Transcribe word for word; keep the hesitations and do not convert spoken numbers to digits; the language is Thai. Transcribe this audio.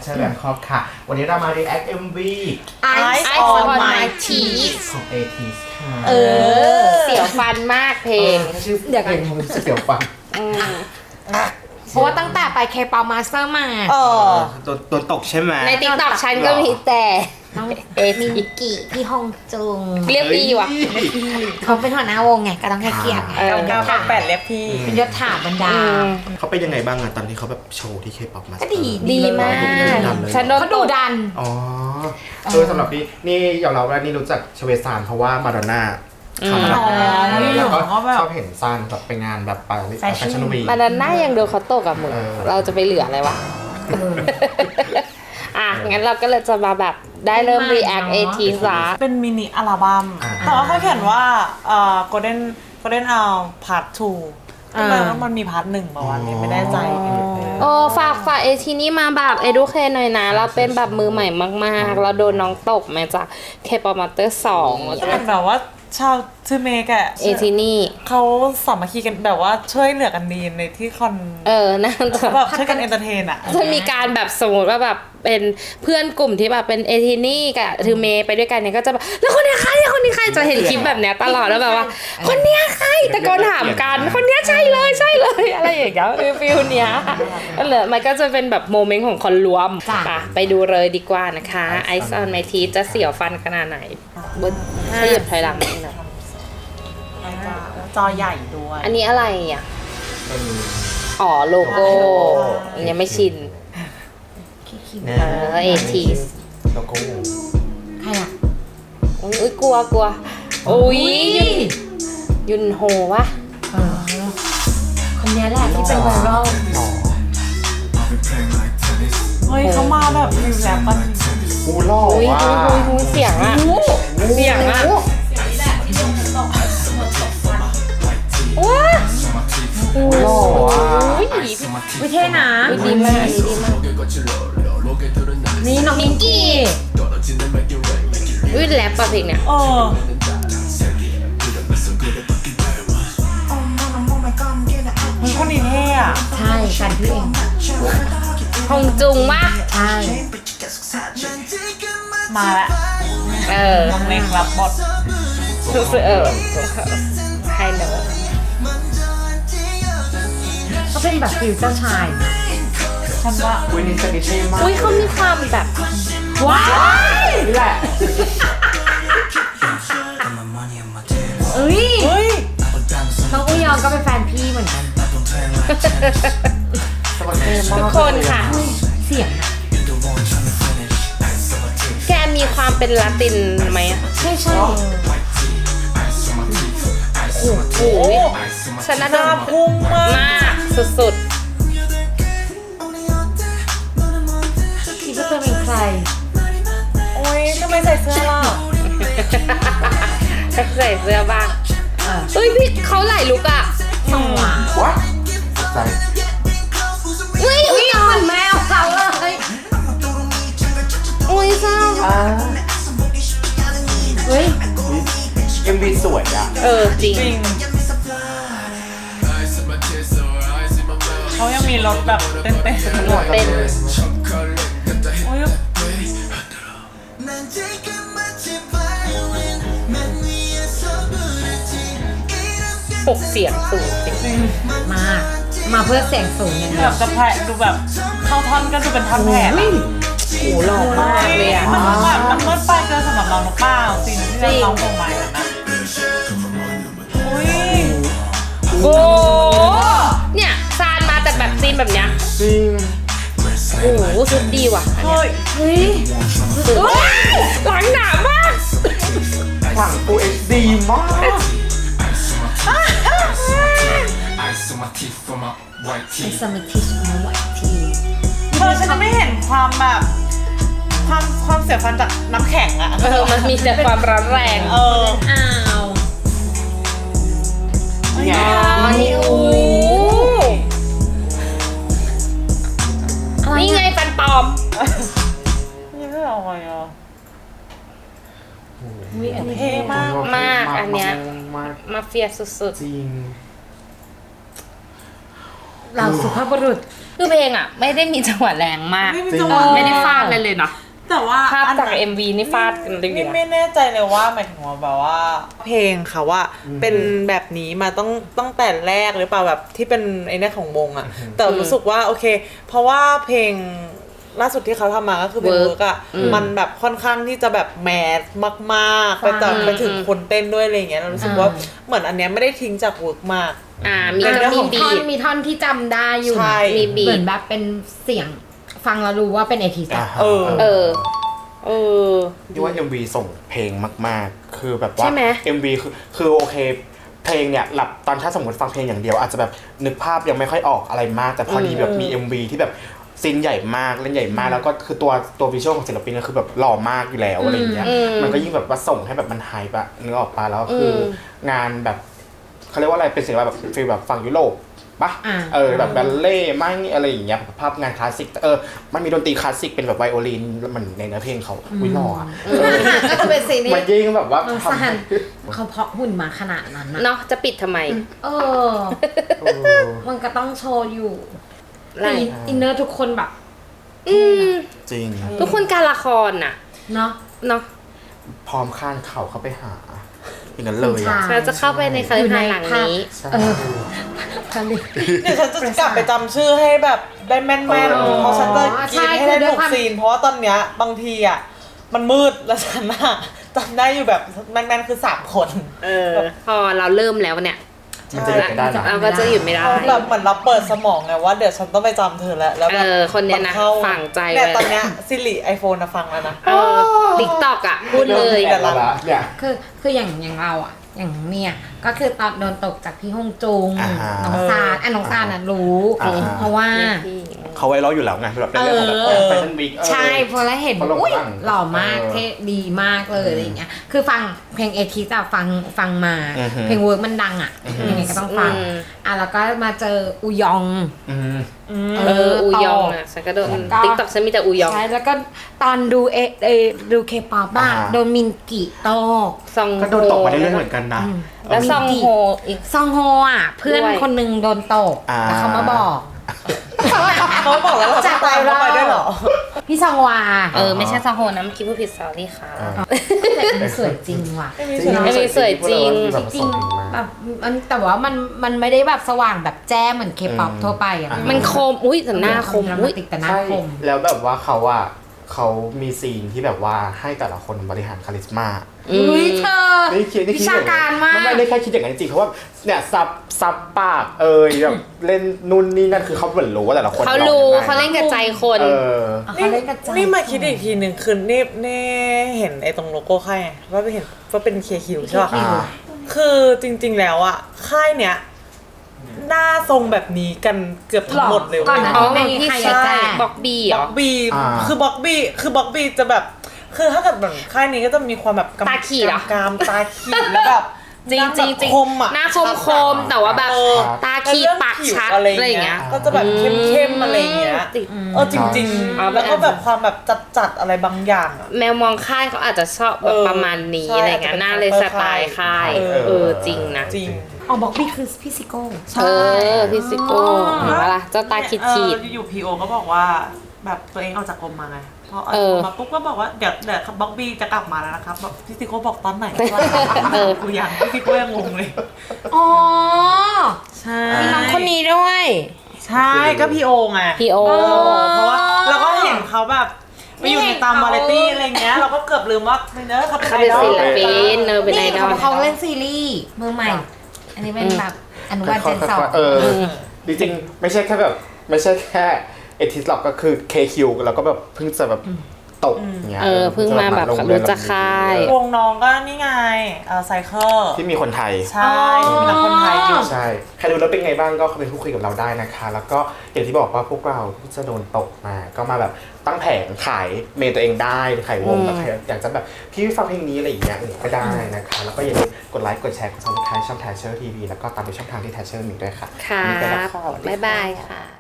Water Bangkok ค่ะวันนี้เรามา react เอ็ม วี Eyes on My Teeth ของ เอ ที เอส ค่ะเออเสียวฟันมากเพลงชื่อเพลงมันเสียวฟังเพราะว่าตั้งแต่ไปเคปามาสเตอร์มาเออตัวตัวตกใช่ไหมในติ๊กต็อกฉันก็มีแต่น้องเอมินกิพี่ฮงจุงเรียกพี่ว่ะเขาเป็นหัวหน้าวงไงก็ต้องให้เกียรติไงเก้าแปดเรียกพี่เป็นยศถาบรรดาเขาเป็นยังไงบ้างอะตอนที่เขาแบบโชว์ที่เคป๊อปมาก็ดีดีมากฉันโดนเขาดูดันอ๋อเออสำหรับนี่นี่ยอมรับว่านี่รู้จักชเวซานเพราะว่ามาดอนน่าเขามาแล้วก็ชอบเห็นซานแบบไปงานแบบไปแฟชั่นวีมาดอนน่ายังโดนเขาตกกับมึงเราจะไปเหลืออะไรวะอ่ะงั้นเราก็เลยจะมาแบบได้เริ่ม react เอ ที ซะเป็นมินิอัลบั้มแต่ว่าเขาเขียนว่าเอ่อ golden golden hour part two ทำไมว่ามันมีพาร์ทหนึ่งป่าวนี้ไม่แน่ใจโอ้ฝากฝากเอทีนี่มาแบบเอดูเคหน่อยนะเราเป็นแบบมือใหม่มากๆเราโดนน้องตกมาจากเคปอมาเตอร์สองเป็นแบบว่าชาวทูเมกอะเอทีนี่เขาสามัคคีกันแบบว่าช่วยเหลือกันดีในที่คอนเออนั่นแบบช่วยกันเอนเตอร์เทนอะจะมีการแบบสมมติว่าแบบเป็นเพื่อนกลุ่มที่แบบเป็นเอทีนี่กับทูเมไปด้วยกันเนี่ยก็จะแบบแล้วคนนี้ใครคนนี้ใครจะเห็นคลิปแบบเนี้ยตลอดแล้วแบบว่าคนเนี้ยใครตะโกนถามกันคนเนี้ยใช่เลยใช่เลยอะไรอย่างเงี้ยฟิลเนี้ยก็เลยมันก็จะเป็นแบบโมเมนต์ของคนรวมไปดูเลยดีกว่านะคะ Eyes on My Teeth จะเสียวฟันขนาดไหนบนขยับถอยหลังนิดหน่อยจอใหญ่ด้วยอันนี้อะไรอ่ะอ๋อโลโก้ยังไม่ชินเออเอทีสโลโก้ใครอ่ะอุ้ยกลัวกลัวอุ้ยยุนโฮวะคนนี้แหละที่เป็นไวรัลเฮ้ยเขามาแบบฟิลแรปป่ะกูหล่อว่ะเสียงอ่ะเสียงอ่ะว้าโอ้โหวิเท่นะดีมากดีมากนี่น้องมิงกี้วิแรปป่ะเพลงเนี่ยเออมันคนนี้เท่อะใช่กันพี่เองฮงจุงมากใช่มาละเออน้องเล็กรับบทเออให้เนอะเขาเป็นแบบฟิวเจ้าชายฉันว่าอุ้ยนี่สนิทเท่มากอุ้ยเขามีความแบบว้ายนี่แหละเอ้ยเฮ้ยน้องอุยองก็เป็นแฟนพี่เหมือนกันทุกคนค่ะเสียงแกมีความเป็นลาตินไหมใช่ใช่โอ้โหฉันน่าจะพุ่งมากสุดๆคิดว่าเธอเป็นใครโอ้ยทำไมใส่เสื้อล่ะใส่เสื้อบ้างเฮ้ยพี่เขาไหลลุกอ่ะสองหวานว้าใส่เฮ้ยอุ้ยเหมือนแมวเขาเลยอุ้ยเศร้าเฮ้ยเอ็มวีสวยอ่ะเออจริงเขายังมีรถแบบเต้นเต้นรถเต้นโอ้ยหกเสียงสูงจริงมากมาเพื่อเสียงสูงอย่างเดียวแบบจะแผลดูแบบเข้าท่อนก็ดูเป็นท่อนแผลโอ้หล่อมากเลยอ่ะมันแบบมันมืดไปเกินสำหรับเราหรือเปล่าสิ่งที่เราร้องเพลงใหม่นะอุ้ยโอ้เนี่ยซานมาแต่แบบซีนแบบเนี้ยจริงโอ้โหสุดดีว่ะเฮ้ยเฮ้ยหลังหนามากหลังฟูเอชดีมากไอสมาธิฟอร์มไวทีไอสมาธิฟอร์มไวทีเธอฉันไม่เห็นความแบบความความเสียฟันจากน้ำแข็งอะเออมันมีแต่ความร้อนแรงเอออ้าวนี่โอ้นี่ไงฟันปลอมนี่ไม่เอาไงอ่ะเท่มากมากอันเนี้ยมาเฟียสุดๆจริงเราสุภาพบุรุษคือเพลงอ่ะไม่ได้มีจังหวะแรงมากไม่มีจริงจังหวะไม่ได้ฟาดเลยเลยเนาะแต่ว่าภาพอันจากไหนเอ็มวีนี่ฟาดกันเลยไม่นะไม่แน่ใจเลยว่าหมายถึงว่าแบบว่า เพลงเขาว่าเป็นแบบนี้มาต้องตั้งแต่แรกหรือเปล่าแบบที่เป็นไอ้เนี่ยของวงอะแต่รู้สึกว่าโอเค เพราะว่าเพลงล่าสุดที่เขาทำมาก็คือเป็น Work เวิร์กอะมันแบบค่อนข้างที่จะแบบแมสมากๆไปแต่ไปถึงคนเต้นด้วยอะไรอย่างเงี้ยเรารู้สึกว่าเหมือนอันเนี้ยไม่ได้ทิ้งจากเวิร์กมากอ่ามีอ่ะมีมีบีท่อนทมีท่อนที่จำได้อยู่ใช่มีบีทเหมือนแบบเป็นเสียงฟังแล้วรู้ว่าเป็นเอทีอ่าสฮะเออเออ เออที่ว่า เอ็ม วี ส่งเพลงมากๆ คือแบบว่าใช่ไหมเอ็ม วี คือคือโอเค เพลงเนี่ยหลับตอนถ้าสมมติฟังเพลงอย่างเดียวอาจจะแบบนึกภาพยังไม่ค่อยออกอะไรมาก แต่พอดีแบบมี เอ็ม วี ที่แบบซีนใหญ่มากเล่นใหญ่มาก แล้วก็คือตัวตัววิชวลของศิลปินก็คือแบบหล่อมากอยู่แล้วอะไรอย่างเงี้ยอืมมันก็ยิ่งแบบว่าส่งให้แบบมันไฮปะนึกออกปะแล้วคืออมงานแบบเขาเรียกว่าอะไรเป็นศิลปะแบบฟีลแบบฝั่งยุโรปปะอ่าเออแบบบัลเล่ต์มั่งอะไรอย่างเงี้ยภาพงานคลาสสิกเออมันมีดนตรีคลาสสิกเป็นแบบไวโอลินแล้วมันในเนื้อเพลงเขาวิหล่ออะก็จะเป็นซีรีมันส์ยิ่งแบบว่าเออทำสหัให้นเขาเพาะหุ่นมาขนาดนั้นนะเนาะจะปิดทำไมเออเออมันก็ต้องโชว์อยู่ไรแต่อินเนอร์ทุกคนแบบอืมจริงทุกคนการละครน่ะเนาะเนาะพร้อมข้านเข่าเข้าไปหาอย่างนั้นเลยอ่ะใช่เราจะเข้าไปในคาลิฟอร์เนียหลังนี้ใช่เออ ผลิตเดี๋ยวฉันจะกลับไปจำชื่อให้แบบได้แม่นเออๆเพราะฉันจะใช่กินให้ได้คือด้วยถูกความซีน เพราะว่าตอนเนี้ยบางทีอ่ะมันมืดแล้วฉันอะจำได้อยู่แบบแม่นๆคือสามคนเออ พอเราเริ่มแล้วเนี่ยมันจะหยุดไม่ได้นะเราก็จะหยุดไม่ได้แบบเหมือนเราเปิดสมองไงว่าเดี๋ยวฉันต้องไปจำเธอแล้วแล้วแบบเออคนเนี้ยนะมัข้าฝังใจเนี่ยเลยตอนเนี้ยซิริไอโฟนนะฟังแล้วนะเออติ๊กตอกอ่ะ พูดเลยแต่ละละเนี่ยคือคืออย่างอย่างเราอ่ะ อย่างเนี่ยก็คือตอนโดนตกจากพี่ฮงจุงอ่าฮะน้องซานอ่ะน้องซานอ่ะรู้อ่าฮะเพราะว่าเขาไว้รออยู่แล้วไงแบบในเรื่องของแบบเออแฟชั่นวีคใช่พอแล้วเห็นเขาลงอุ้ยบ้างหล่อมากเออเท่ดีมากเลยอะไรอย่างเงี้ยคือฟังเพลงเอทีจะฟังฟังมาอือฮึเพลงเวิร์กมันดังอ่ะอือฮึยังไงก็ต้องฟังอืมอ่ะแล้วก็มาเจออุยองอืมเออ อูยองอ่ะฉันก็โดนแล้วก็ติ๊กตอกฉันมีแต่อูยองใช่แล้วก็ตอนดูเอเอดูเคป๊อปอะอ่าโดนมินกิโตกซองก็โดนตกมาเรื่อยๆเหมือนกันนะแล้วซองโฮอีกซองโฮอ่ะ เพื่อนด้วยคนหนึงโดนตกอ่าแล้วเขามาบอกเขาบอกแล้วเราจะตามเขาไปด้วยเหรอพี่ซองวาเออ ไม่ใช่ซองโฮนะเมื่อกี้พูดผิดสอรี่ค่ะแต่มันสวยจริงว่ะไม่มีจริงชนะไม่มีสวยจริงแบบจริส่งงถึงมาแบบมันแต่ว่ามันมันไม่ได้แบบสว่างแบบแจ้งเหมือนเคป๊อปอืมทั่วไปอ่ะอ่ามันคม อุ้ยแต่หน้าคมอุ้อุ้ยยติดแต่หน้าใช่คมแล้วแบบว่าเขาอะเขามีซีนที่แบบว่าให้แต่ละคนบริหารคาลิสมาอุ้ยเธอนี่คิดนี่คิดวิชาการมากไม่ได้แค่คิดอย่างนั้นจริงๆเพราะว่าเนี่ยซับซับปากเอ่ยแบบเล่นนู่นนี่นั่นคือเขาเหมือนรู้ว่าแต่ละคนเขารู้องยังไงเขาเล่นกับใจคนเออเขาเล่นกระจายนี่มาคิดอีกทีหนึ่งคือนี่นี่เห็นไอ้ตรงโลโก้ค่ายไงว่าไปเห็นว่าเป็นเคคิวใช่ป่ะอ่าคือจริงๆแล้วอะค่ายเนี้ยหน้าทรงแบบนี้กันเกือบทั้งหมดเลยก่อนเว้ยหน้าอ๋อนี้ไม่มีพี่ใครชาแจ้ยงบ็อกบี้เหรบ็ออกบีอ่าคือบ็อกบีคือบ็อกบีจะแบบ คือถ้าเกิดแบบค่ายนี้ก็จะมีความแบบกำตาขีดเหรอกามตาขีดแล้วแบบจริงจริงจริงคมอะหน้าคมคมแต่ว่าแบบเออตาขีดปากชัดแล้วอะไรอย่างเงี้ยก็จะแบบเข้มๆอะไรอย่างเงี้ยติดเออจริงอ๋อๆ แล้วก็แบบความแบบจัดๆอะไรบางอย่างอะแมวมองค่ายเขาอาจจะชอบแบบเออประมาณนี้ใช่อะไรเงี้ยอาจจะเป็นหน้าเลยสไตล์ค่ายเออเออจริงนะจริงอ๋อบอกพี่คือพี่ซิโก้เออพิซิโก้เห็นปะล่ะเจ้าตาขีดขีดเอออยู่ๆพีโอก็บอกว่าแบบตัวเองออกจากกรมมาไงพอออกเอจากอกรมมาปุ๊บก็บอกว่าเดี๋ยวเดี๋ยวบ็อกบี้จะกลับมาแล้วนะครับบอกพี่ซิโก้บอกตอนไหนเออกูยังพี่ซิโก้ยังงงเลยอ๋อใช่มีน้องคนนี้ด้วยใช่ก็พีโอไงพี่โอเออเพราะว่าเราก็เห็นเขาแบบไปอยู่ในตามวาไรตี้อะไรเงี้ย เราก็เกือบลืมว่าเนอะเขาเป็นเขาไอเป็นดอลศิลปินเนอเป็นไอนี่ดอเขาลเขาเล่นซีรีส์เมืองใหม่ อันนี้เป็นแบบอนุบาลเจนสองเออจริงๆไม่ใช่แค่แบบไม่ใช่แค่เอทิสหรอกก็คือ เค คิว แล้วก็แบบเพิ่งจะแบบตกอย่างเงี้ยเออเพิ่งมาแบบลงเยนรู้จักค่ายวงน้องก็นี่ไงเออไซเคิลที่มีคนไทยใช่ที่มีนักคนไทยอยู่ใช่ ใครดูแล้วเป็นไงบ้างก็เข้าไปพูดคุยกับเราได้นะคะ แล้วก็อย่างที่บอกว่าพวกเราที่จะโดนตกมา ก็มาแบบตั้งแผงขายเมนตัวเองได้ขายวงแบบใครอยากจะแบบพี่ฟังเพลงนี้อะไรอย่างเงี้ยก็ได้นะคะ แล้วก็อย่าลืมกดไลค์กดแชร์กดซับสไครต์ช่อง Thatcher ที วี แล้วก็ตามไปช่องทางที่ Thatcher มีด้วยค่ะครัวันนี้ไปแล้วบค่ะสวัสดีบ๊ายค่ะบายค่ะ